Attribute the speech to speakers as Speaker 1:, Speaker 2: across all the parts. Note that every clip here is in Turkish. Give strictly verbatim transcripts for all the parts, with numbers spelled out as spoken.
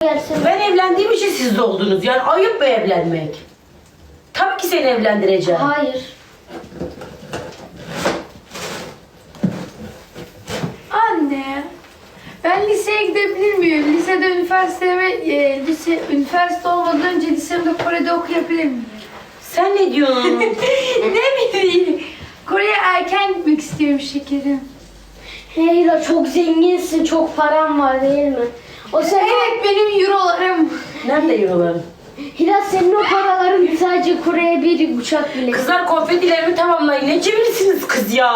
Speaker 1: Gelsin.
Speaker 2: Ben evlendiğim için siz de oldunuz. Yani ayıp mı evlenmek? Tabii ki seni evlendireceğim.
Speaker 1: Hayır.
Speaker 3: Anne, ben liseye gidebilir miyim? Lisede üniversiteme, e, lise, üniversite olmadan önce lisemde Kore'de okuyabilir miyim?
Speaker 2: Sen ne diyorsun?
Speaker 3: Ne bileyim. Kore'ye erken gitmek istiyorum şekerim.
Speaker 1: Heyra çok zenginsin, çok param var değil mi? O sefer
Speaker 3: Evet, benim eurolarım.
Speaker 2: Nerede euroların?
Speaker 1: Hira senin o paraların sadece Kore'ye bir uçak bile.
Speaker 2: Kızlar konfetilerimi tamamlayın. Ne cimrisiniz kız ya?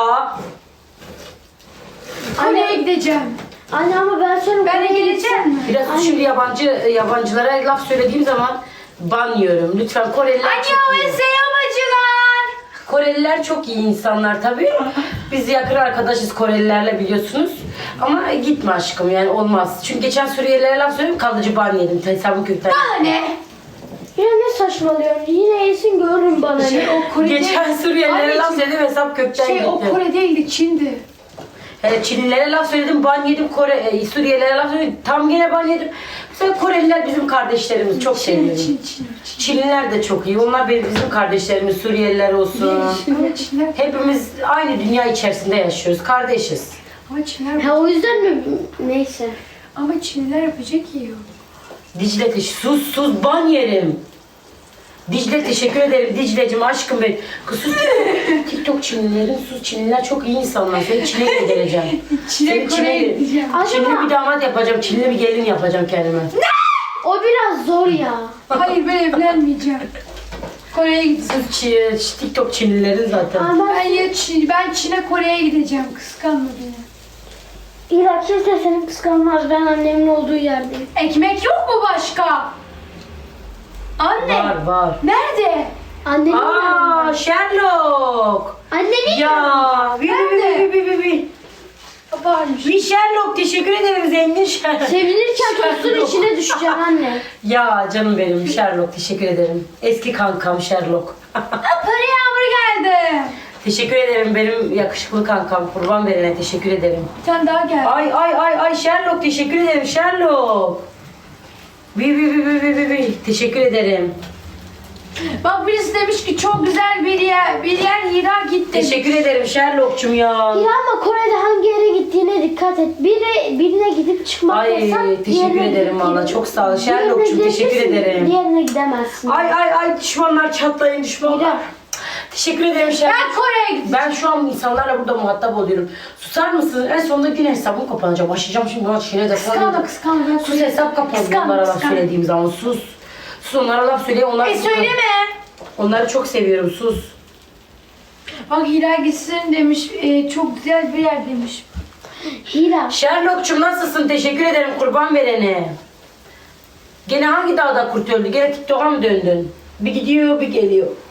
Speaker 3: Kore'ye gideceğim.
Speaker 1: Anne ama ben sonra
Speaker 3: Ben de
Speaker 1: Kore'ye
Speaker 3: geleceğim
Speaker 1: gitsem-
Speaker 3: mi?
Speaker 2: Biraz
Speaker 1: Anne.
Speaker 2: şimdi yabancı yabancılara laf söylediğim zaman ban yiyorum. Lütfen Koreliler
Speaker 3: Anne
Speaker 2: çok
Speaker 3: o
Speaker 2: iyi.
Speaker 3: seyamacılar.
Speaker 2: Koreliler çok iyi insanlar tabii. Biz yakın arkadaşız Korelilerle biliyorsunuz. Ama gitme aşkım yani olmaz. Çünkü geçen Suriyelilere laf söyledim kalıcı ban yedim. Hesabım kökten.
Speaker 3: Anne.
Speaker 1: Yine ne saçmalıyorsun? Yine yesin görürüm bana
Speaker 3: Şey,
Speaker 1: ne.
Speaker 3: o Kore'de...
Speaker 2: Geçen Suriyelilere laf
Speaker 3: Anneciğim,
Speaker 2: söyledim hesap kökten
Speaker 3: Şey, o
Speaker 2: gitti.
Speaker 3: Kore değildi, Çin'di.
Speaker 2: Hele Çinlilere laf söyledim, ban yedim. Kore, e, Suriyelilere laf söyledim, tam gene ban yedim. Mesela Koreliler bizim kardeşlerimiz, çok
Speaker 3: Çin,
Speaker 2: seviyorum.
Speaker 3: Çin, Çin, Çin.
Speaker 2: Çinliler de çok iyi. Onlar benim bizim kardeşlerimiz, Suriyeliler olsun.
Speaker 3: Ama Çinler,
Speaker 2: Hepimiz aynı dünya içerisinde yaşıyoruz, kardeşiz.
Speaker 3: ama Çinler,
Speaker 1: Ha o yüzden mi? Neyse.
Speaker 3: ama Çinliler yapacak yiyor.
Speaker 2: Dicle teş sus sus ban yerim. Dicle teşekkür ederim Dicle'cim aşkım benim. Kız sus. TikTok Çinlilerin sus Çinliler çok iyi insanlar. Seni Çin'e göndereceğim.
Speaker 3: Çin'e
Speaker 2: Seni
Speaker 3: Kore'ye
Speaker 2: Çin'e
Speaker 3: gideceğim.
Speaker 2: Çinli
Speaker 1: Acaba
Speaker 2: bir damat yapacağım. Çinli bir gelin yapacağım kendime.
Speaker 1: o biraz zor ya.
Speaker 3: Hayır, ben evlenmeyeceğim. Kore'ye gideceğim.
Speaker 2: Sus Çi- TikTok Çinlilerin zaten.
Speaker 1: Ama
Speaker 3: Ben ya Çin, ben Çin'e Kore'ye gideceğim. Kıskanma beni.
Speaker 1: Hira kimse seni kıskanmaz. Ben annemin olduğu yerdeyim.
Speaker 3: Ekmek yok mu başka? Anne.
Speaker 2: Var var.
Speaker 3: Nerede?
Speaker 1: Annemin
Speaker 2: Aa
Speaker 1: yanında.
Speaker 2: Sherlock.
Speaker 1: Annemin
Speaker 2: Ya. Bi bi bi bi bi bi.
Speaker 3: Varmış.
Speaker 2: Bir Sherlock teşekkür ederim zengin Sherlock.
Speaker 1: Sevinirken tostun
Speaker 2: Sherlock.
Speaker 1: içine düşeceksin anne.
Speaker 2: Ya canım benim Sherlock teşekkür ederim. Eski kankam Sherlock.
Speaker 3: Para yağmuru geldi.
Speaker 2: Teşekkür ederim benim yakışıklı kankam. Kurban verene teşekkür ederim.
Speaker 3: Bir tane daha geldi.
Speaker 2: Ay ay ay ay Sherlock teşekkür ederim Sherlock. Bi bi bi bi bi bi bi. Teşekkür ederim.
Speaker 3: Bak birisi demiş ki çok güzel bir yer, bir yer Hira gitti.
Speaker 2: Teşekkür ederim Sherlock'cum ya.
Speaker 1: Hira ama Kore'de hangi yere gittiğine dikkat et. Biri birine gidip çıkmak
Speaker 2: Ay,
Speaker 1: yasak.
Speaker 2: teşekkür
Speaker 1: diğerine
Speaker 2: ederim
Speaker 1: gidip
Speaker 2: valla,
Speaker 1: gidip-
Speaker 2: çok sağ ol.
Speaker 1: Birine
Speaker 2: Sherlock'cum, teşekkür
Speaker 1: gidebilirsin,
Speaker 2: ederim.
Speaker 1: Diğerine gidemezsin.
Speaker 2: Ay ay ay düşmanlar çatlayın düşmanlar.
Speaker 1: Hira.
Speaker 2: Teşekkür ederim Sherlock.
Speaker 3: Ben Kore'ye gideceğim.
Speaker 2: Ben şu an insanlarla burada muhatap oluyorum. Susar mısın? En sonunda yine hesabım kapanacak. Başlayacağım şimdi buna şine de
Speaker 3: Kıskanma kıskanma. Ben
Speaker 2: Sus hesap kapandı
Speaker 3: Kıskanma,
Speaker 2: onlara laf
Speaker 3: kıskanma.
Speaker 2: söylediğim zaman sus. Sus onlara laf söyle onlar.
Speaker 3: E söyleme.
Speaker 2: Onları çok seviyorum sus.
Speaker 3: Bak Hira gitsin demiş. e, çok güzel bir yer demiş.
Speaker 1: Hira.
Speaker 2: Sherlock'cum nasılsın? Teşekkür ederim kurban verene. Gene hangi dağda kurt öldü? Gene TikTok'a mı döndün? Bir gidiyor bir geliyor.